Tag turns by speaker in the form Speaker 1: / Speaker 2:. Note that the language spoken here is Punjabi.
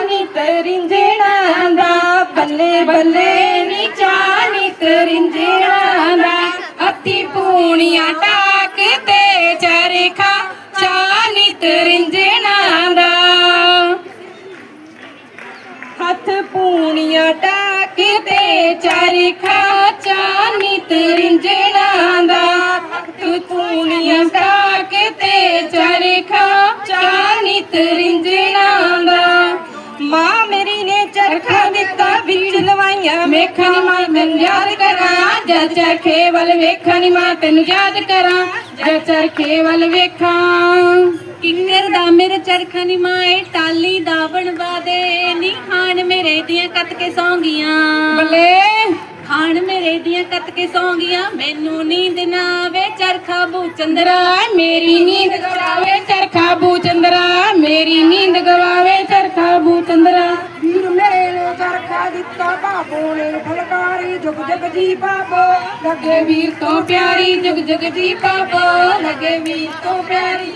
Speaker 1: ਨੀ ਤਰਿੰਜਣਾ ਦਾ, ਬੱਲੇ ਬੱਲੇ ਨੀ ਚਾਅ ਨੀ ਤਰਿੰਜਣਾ ਦਾ। ਹੱਥੀ ਪੂਣੀਆਂ ਟਾਕ ਤੇ ਚਰਖਾ, ਚਾਅ ਨੀ ਤਰਿੰਜਣਾ ਦਾ। ਹੱਥ ਪੂਣੀਆਂ ਟਾਕ ਤੇ ਚਰਖਾ, ਚਾਅ ਨੀ ਤਰਿੰਜਣਾ ਦਾ। ਹੱਥ ਪੂਣੀਆਂ ਟਾਕ ਤੇ ਚਰਖਾ, ਚਾਅ ਨੀ ਤਰਿੰਜਣਾ ਦਾ। ਮਾਂ ਮੇਰੀ ਨੇ ਚਰਖਾ ਦਿੱਤਾ ਵਿੱਚ ਲਵਾਈਆਂ ਮੇਖਾਂ ਨੀ ਮਾਂ ਤੈਨੂੰ ਯਾਦ ਕਰਾਂ, ਜਦ ਚਰਖੇ ਵੱਲ ਵੇਖਾਂ ਨੀ ਮਾਂ ਤੈਨੂੰ ਯਾਦ ਕਰਾਂ, ਜਦ ਚਰਖੇ ਵੱਲ ਵੇਖਾਂ।
Speaker 2: ਕਿੰਗਰ ਦਾ ਮੇਰਾ ਚਰਖਾ ਨੀ ਮਾਏ ਟਾਲੀ ਦਾ ਬਣਵਾ ਦੇ ਨੀ, ਖਾਣ ਮੇਰੇ ਦੀਆਂ ਕੱਤ ਕੇ ਸੌਂਗੀਆਂ,
Speaker 1: ਬੱਲੇ
Speaker 2: ਖਾਣ ਮੇਰੇ ਦੀਆਂ ਕੱਤ ਕੇ ਸੌਂਗੀਆਂ। ਮੈਨੂੰ ਨੀਂਦ ਨਾ ਆਵੇ ਚਰਖਾ ਬੂ ਚੰਦਰਾ,
Speaker 1: ਮੇਰੀ ਨੀਂਦ ਗਵਾਵੇ ਚਰਖਾ ਬੂ ਚੰਦਰਾ, ਮੇਰੀ ਨੀਂਦ ਗਵਾਵੇ ਚਰਖਾ ਬੂ ਚੰਦਰਾ।
Speaker 3: ਵੀਰ ਮੇਰੇ ਨੇ ਚਰਖਾ ਦਿੱਤਾ ਬਾਬੋ ਨੇ ਫਲਕਾਰੀ, ਜੁਗ ਜੁਗ ਜੀ ਬਾਬੋ
Speaker 1: ਲੱਗੇ ਵੀਰ ਤੋਂ ਪਿਆਰੀ, ਜੁਗ ਜੁਗ ਜੀ ਬਾਬੋ ਲੱਗੇ ਵੀਰ ਤੋਂ ਪਿਆਰੀ।